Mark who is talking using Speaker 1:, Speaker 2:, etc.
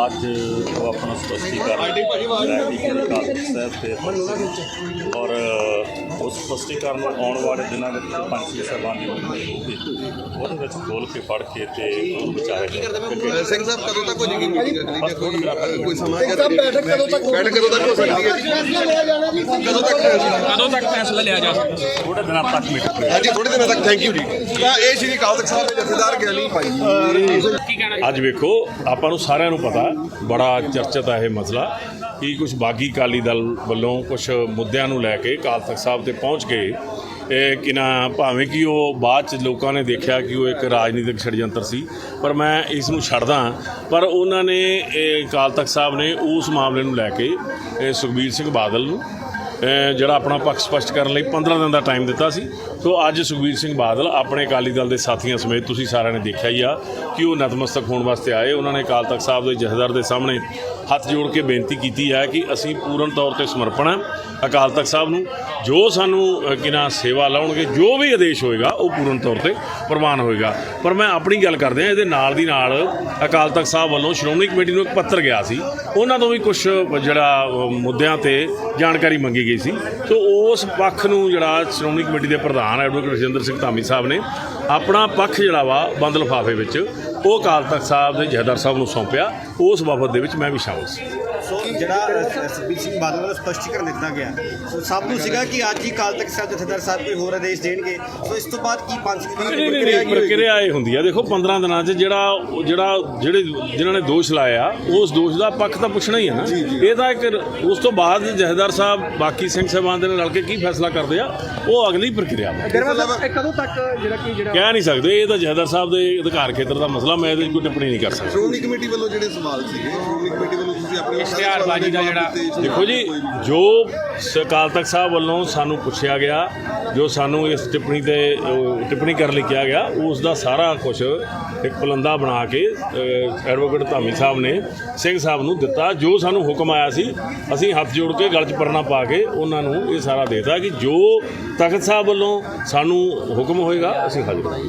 Speaker 1: ਅੱਜ ਉਹ ਆਪਣਾ ਸਪਸ਼ਟੀਕਰਨ ਔਰ ਉਸ ਸਪਸ਼ਟੀਕਰਨ ਨੂੰ ਆਉਣ ਵਾਲੇ ਦਿਨਾਂ ਵਿੱਚ ਪੰਛੀ ਸਾਹਿਬਾਨ ਦੀ ਹੋਊਗੀ ਉਹਦੇ ਵਿੱਚ ਖੋਲ੍ਹ ਕੇ ਪੜ੍ਹ ਕੇ ਅਤੇ ਉਹਨੂੰ ਵਿਚਾਰਿਆ ਜਾਏ।
Speaker 2: ਸਿੰਘ ਸਾਹਿਬ ਕਦੋਂ ਤੱਕ ਹੋ ਜਾਏਗੀ ਮੀਟਿੰਗ? ਕੋਈ ਸਮਾਂ
Speaker 3: ਬੈਠਕ ਕਦੋਂ ਤੱਕ
Speaker 2: ਹੋ ਸਕਦੀ ਹੈ ਜੀ?
Speaker 3: ਕਦੋਂ ਤੱਕ ਫੈਸਲਾ ਲਿਆ ਜਾ ਸਕਦਾ?
Speaker 1: ਥੋੜ੍ਹੇ ਦਿਨਾਂ ਤੱਕ ਮੀਟਿੰਗ।
Speaker 2: ਹਾਂਜੀ, ਥੋੜੇ ਦਿਨਾਂ ਤੱਕ। ਥੈਂਕ ਯੂ ਜੀ। ਤਾਂ ਇਹ ਸ਼੍ਰੀ ਅਕਾਲ ਤਖਤ ਸਾਹਿਬ ਦੇ ਜਥੇਦਾਰ ਗਿਆਨੀ ਭਾਈ
Speaker 3: ਕੀ ਕਹਿਣਾ?
Speaker 4: ਅੱਜ ਵੇਖੋ ਆਪਾਂ ਨੂੰ ਸਾਰਿਆਂ ਨੂੰ ਪਤਾ ਬੜਾ ਚਰਚਿਤ ਹੈ ਇਹ ਮਸਲਾ ਕਿ ਕੁਝ ਬਾਗੀ ਅਕਾਲੀ ਦਲ ਵੱਲੋਂ ਕੁਝ ਮੁੱਦਿਆਂ ਨੂੰ ਲੈ ਕੇ ਅਕਾਲ ਤਖਤ ਸਾਹਿਬ ਤੇ ਪਹੁੰਚ ਕੇ ਕਿ ਨਾ ਭਾਵੇਂ ਕਿ ਉਹ ਬਾਅਦ 'ਚ ਲੋਕਾਂ ਨੇ ਦੇਖਿਆ ਕਿ ਉਹ ਇੱਕ ਰਾਜਨੀਤਿਕ ਛੜਯੰਤਰ ਸੀ, ਪਰ ਮੈਂ ਇਸ ਨੂੰ ਛੱਡਦਾ। ਪਰ ਉਹਨਾਂ ਨੇ ਅਕਾਲ ਤਖਤ ਸਾਹਿਬ ਨੇ ਉਸ ਮਾਮਲੇ ਨੂੰ ਲੈ ਕੇ ਸੁਖਬੀਰ ਸਿੰਘ ਬਾਦਲ ਨੂੰ ਜਿਹੜਾ ਆਪਣਾ ਪੱਖ ਸਪਸ਼ਟ ਕਰਨ ਲਈ 15 ਦਿਨ ਦਾ ਟਾਈਮ ਦਿੱਤਾ ਸੀ। ਸੋ ਅੱਜ ਸੁਖਬੀਰ ਸਿੰਘ ਬਾਦਲ ਆਪਣੇ ਅਕਾਲੀ ਦਲ ਦੇ ਸਾਥੀਆਂ ਸਮੇਤ ਤੁਸੀਂ ਸਾਰਿਆਂ ਨੇ ਦੇਖਿਆ ਹੀ ਆ ਕਿ ਉਹ ਨਤਮਸਤਕ ਹੋਣ ਵਾਸਤੇ ਆਏ। ਉਹਨਾਂ ਨੇ ਅਕਾਲ ਤਖਤ ਸਾਹਿਬ ਦੇ ਜਥੇਦਾਰ ਦੇ ਸਾਹਮਣੇ ਹੱਥ ਜੋੜ ਕੇ ਬੇਨਤੀ ਕੀਤੀ ਹੈ ਕਿ ਅਸੀਂ ਪੂਰਨ ਤੌਰ 'ਤੇ ਸਮਰਪਣ ਹਾਂ ਅਕਾਲ ਤਖਤ ਸਾਹਿਬ ਨੂੰ। ਜੋ ਸਾਨੂੰ ਕਿਨਾ ਸੇਵਾ ਲਾਉਣਗੇ, ਜੋ ਵੀ ਆਦੇਸ਼ ਹੋਏਗਾ ਉਹ ਪੂਰਨ ਤੌਰ 'ਤੇ ਪ੍ਰਵਾਨ ਹੋਏਗਾ। ਪਰ ਮੈਂ ਆਪਣੀ ਗੱਲ ਕਰਦੇ ਹਾਂ, ਇਹਦੇ ਨਾਲ ਦੀ ਨਾਲ ਅਕਾਲ ਤਖਤ ਸਾਹਿਬ ਵੱਲੋਂ ਸ਼੍ਰੋਮਣੀ ਕਮੇਟੀ ਨੂੰ ਇੱਕ ਪੱਤਰ ਗਿਆ ਸੀ, ਉਹਨਾਂ ਤੋਂ ਵੀ ਕੁਝ ਜਿਹੜਾ ਮੁੱਦਿਆਂ 'ਤੇ ਜਾਣਕਾਰੀ ਮੰਗੀ ਗਈ ਸੀ। ਸੋ ਉਸ ਪੱਖ ਨੂੰ ਜਿਹੜਾ ਸ਼੍ਰੋਮਣੀ ਕਮੇਟੀ ਦੇ ਪ੍ਰਧਾਨ ਐਡਵੋਕੇਟ ਰਜਿੰਦਰ ਸਿੰਘ ਧਾਮੀ ਸਾਹਿਬ ਨੇ ਆਪਣਾ ਪੱਖ ਜਿਹੜਾ ਵਾ ਬੰਦ ਲਿਫਾਫੇ ਵਿੱਚ ਉਹ ਅਕਾਲ ਤਖਤ ਸਾਹਿਬ ਦੇ ਜਥੇਦਾਰ ਸਾਹਿਬ ਨੂੰ ਸੌਂਪਿਆ। ਉਸ ਬਾਬਤ ਦੇ ਵਿੱਚ ਮੈਂ ਵੀ ਸ਼ਾਮਲ ਸੀ।
Speaker 5: ਸੋ ਜਿਹੜਾ ਸੁਖਬੀਰ ਸਿੰਘ ਬਾਦਲ ਵੱਲੋਂ ਸਪਸ਼ਟੀਕਰਨ ਦਿੱਤਾ ਗਿਆ, ਸੋ ਸਭ ਨੂੰ ਸੀਗਾ ਕਿ ਅੱਜ ਹੀ ਅਕਾਲ ਤਖਤ ਸਾਹਿਬ ਜਥੇਦਾਰ ਸਾਹਿਬ ਕੋਈ ਹੋਰ ਆਦੇਸ਼ ਦੇਣਗੇ। ਸੋ ਇਸ ਤੋਂ ਬਾਅਦ ਕੀ ਪੰਥ ਦੀ
Speaker 4: ਪ੍ਰਕਿਰਿਆ ਇਹ ਹੁੰਦੀ ਆ। ਦੇਖੋ 15 ਦਿਨਾਂ 'ਚ ਜਿਨ੍ਹਾਂ ਨੇ ਦੋਸ਼ ਲਾਇਆ ਉਸ ਦੋਸ਼ ਦਾ ਪੱਖ ਤਾਂ ਪੁੱਛਣਾ ਹੀ ਹੈ ਨਾ। ਇਹ ਤਾਂ ਇੱਕ ਉਸ ਤੋਂ ਬਾਅਦ ਜਥੇਦਾਰ ਸਾਹਿਬ ਬਾਕੀ ਸਿੰਘ ਸਾਹਿਬਾਨ ਦੇ ਨਾਲ ਰਲ ਕੇ ਕੀ ਫੈਸਲਾ ਕਰਦੇ ਆ ਉਹ ਅਗਲੀ ਪ੍ਰਕਿਰਿਆ ਵਾ।
Speaker 3: ਕਦੋਂ ਤੱਕ ਜਿਹੜਾ
Speaker 4: ਕਹਿ ਨਹੀਂ ਸਕਦੇ, ਇਹ ਤਾਂ ਜਥੇਦਾਰ ਸਾਹਿਬ ਦੇ ਅਧਿਕਾਰ ਖੇਤਰ ਦਾ ਮਸਲਾ, ਮੈਂ ਇਹਦੇ 'ਚ ਕੋਈ ਟਿੱਪਣੀ ਨਹੀਂ ਕਰ ਸਕਦਾ।
Speaker 2: ਸ਼੍ਰੋਮਣੀ ਕਮੇਟੀ ਵੱਲੋਂ ਜਿਹੜੇ ਸਵਾਲ ਸੀਗੇ, ਸ਼੍ਰੋਮਣੀ ਕਮੇਟੀ ਵੱਲੋਂ ਤੁਸੀਂ ਆਪਣੇ
Speaker 3: ਇਸ਼ਤਿਹਾਰਬਾਜ਼ੀ ਦਾ ਜਿਹੜਾ
Speaker 4: ਦੇਖੋ ਜੀ, ਜੋ ਅਕਾਲ ਤਖਤ ਸਾਹਿਬ ਵੱਲੋਂ ਸਾਨੂੰ ਪੁੱਛਿਆ ਗਿਆ, ਜੋ ਸਾਨੂੰ ਇਸ ਟਿੱਪਣੀ ਕਰਨ ਲਈ ਕਿਹਾ ਗਿਆ, ਉਸ ਦਾ ਸਾਰਾ ਕੁਝ ਇੱਕ ਪਲੰਦਾ ਬਣਾ ਕੇ ਐਡਵੋਕੇਟ ਧਾਮੀ ਸਾਹਿਬ ਨੇ ਸਿੰਘ ਸਾਹਿਬ ਨੂੰ ਦਿੱਤਾ। ਜੋ ਸਾਨੂੰ ਹੁਕਮ ਆਇਆ ਸੀ ਅਸੀਂ ਹੱਥ ਜੋੜ ਕੇ ਗਲ 'ਚ ਪਰਨਾ ਪਾ ਕੇ ਉਹਨਾਂ ਨੂੰ ਇਹ ਸਾਰਾ ਦੇਤਾ ਕਿ ਜੋ ਤਖਤ ਸਾਹਿਬ ਵੱਲੋਂ ਸਾਨੂੰ ਹੁਕਮ ਹੋਏਗਾ ਅਸੀਂ ਹਾਜ਼ਰ